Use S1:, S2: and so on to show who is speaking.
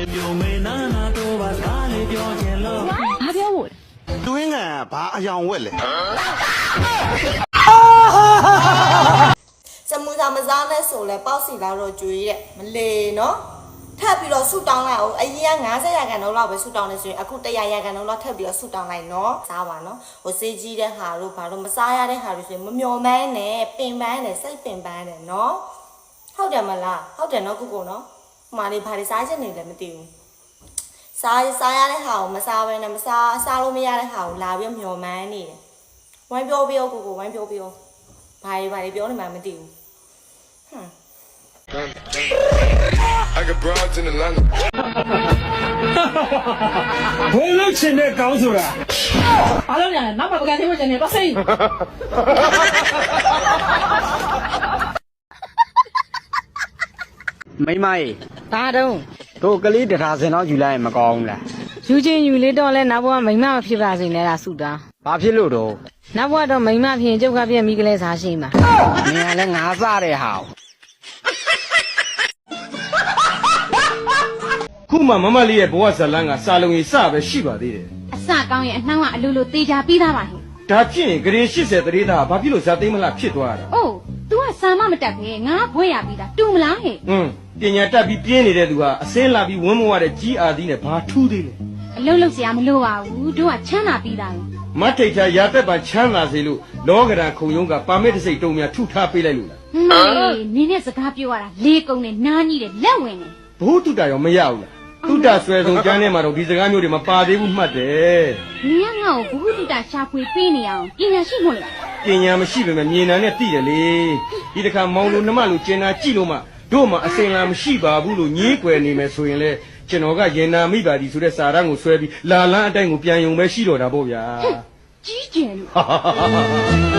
S1: ဘာပြောဖို့လဲ
S2: တွင်းကဘာအယောင်ဝက်လဲ
S3: စမူသာမစားနဲ့ဆိုလဲပေါ့စီလာတော့ကျွေးတဲ့မလေနော်ထပ်ပြီးတော့ဆူတောင်းလိုက်အောင်အရင်က90ရာခိုင်နှုန်းလောက်ပဲဆူတောင်းနေဆိုရင်အခု100ရာခိုင်နှုန်းလောက်ထပ်ပြီးတော့ဆူတောင်းလိုက်နော်စားပါနော်ဟိုစေးကြီးတဲ့ဟာတို့ဘာလို့မစားရတဲ့ဟာတွေဆိုရင်မမျော်မှန်းနဲ့ပင်ပန်းနဲ့စိတ်ပင်ပန်းနဲ့နော်ဟုတ်တယ်မလားဟုတ်တယ်နော်ကိုနော်ဟိုမှာနေဘာတွေစားချက်နေလဲမသိဘူးစားရတဲ့ဟာကိုမစားဘဲနဲ့မစားလို့မရတဲ့ဟာကိုလာပြီးမျော်မှန်းနေတယ်ဝိုင်းပြောပြောကိုဝိုင်းပြောပြောဘာတွေပြောနေမှမသိဘူး
S4: I got broads in Atlanta.
S5: ဘယ်လိုချင်တဲ့ကောင်းဆိုတာ
S1: အားလုံးညာနောက်မှပကံသေးဖို့ကျန်နေတော့စိတ်
S6: မိမကြီး
S7: ဘာတော့
S6: တို့ကလေး1,000စင်တော့ယူလိုက်ရင်မကောင်းဘူးလား
S7: ယူချင်းယူလေးတော့လဲနောက်ဘဝမိမမဖြစ်ပါစေနဲ့လားဆုတောင်း
S6: ဘာဖြစ်လို့တော့
S7: နောက်ဘဝတော့မိမဖြစ်ရင်ကျုပ်ကပြက်မိကလေးစားရှိမှာ
S6: နင်ကလည်းငါးစားတဲ့ဟာ
S5: ခုမှမမလေးရဲ့ဘဝဇလန်းကစာလုံးကြီးစပဲရှိပါသေးတယ်
S1: အစကောင်းရင်အနှောင်းကအလိုလိုသေးချာပြီးသားပါဟင်
S5: ဒါဖြစ်ရင်ဂရေ80တရေသားဘာဖြစ်လို့ဇာသိမ်းမလားဖြစ်သွားတာ
S1: အိုး तू ကစာမမတက်ပဲငါဘွဲရပြီးသားတူမလားဟဲ့
S5: ပညာတတ်ပြီးပြင်းနေတဲ့သူဟာအစင်းလာပြီးဝန်းမဝတဲ့ကြီးအာသီးနဲ့ဘာထူးသေးလဲ
S1: အလုံးလုံးစရာမလိုပါဘူးတို့ကချမ်းသာပြီးသားပဲ
S5: မတ်ထိတ်ထားရာသက်ပါချမ်းသာစေလို့လောကဓာခုံရုံးကပါမစ်တစ်စိတ်တုံများထုထားပေးလိုက်လို့လား
S1: နင်းနဲ့စကားပြောရတာလေးကုံနဲ့နားကြီးတယ်လက်ဝင်တယ်
S5: ဘိုးတုတရောမရဘူးလားတုတဆွဲဆုံးကျမ်းထဲမှာတော့ဒီစကားမျိုးတွေမပါသေးဘူးမှတ်တယ်
S1: နင်းကငါ့ကိုဘုဟုတုတရှာဖွေပေးနေအောင်ပညာရှိမို့လား
S5: ပညာမရှိပေမဲ့မြေနာနဲ့သိတယ်လေဒီတစ်ခါမောင်လိုနှမလိုကျင်နာကြည့်လို့မှတို့မှအစင်လာမရှိပါဘူးလို့ညည်းကွယ်နေမယ်ဆိုရင်လေကျွန်တော်ကရင်နာမိပါသည်ဆိုတဲ့စာရန်ကိုဆွဲပြီးလာလန်းအတိုင်းကိုပြန်ယုံပဲရှိတော့တာပေါ့ဗျာ
S1: ကြီးကျယ်လို့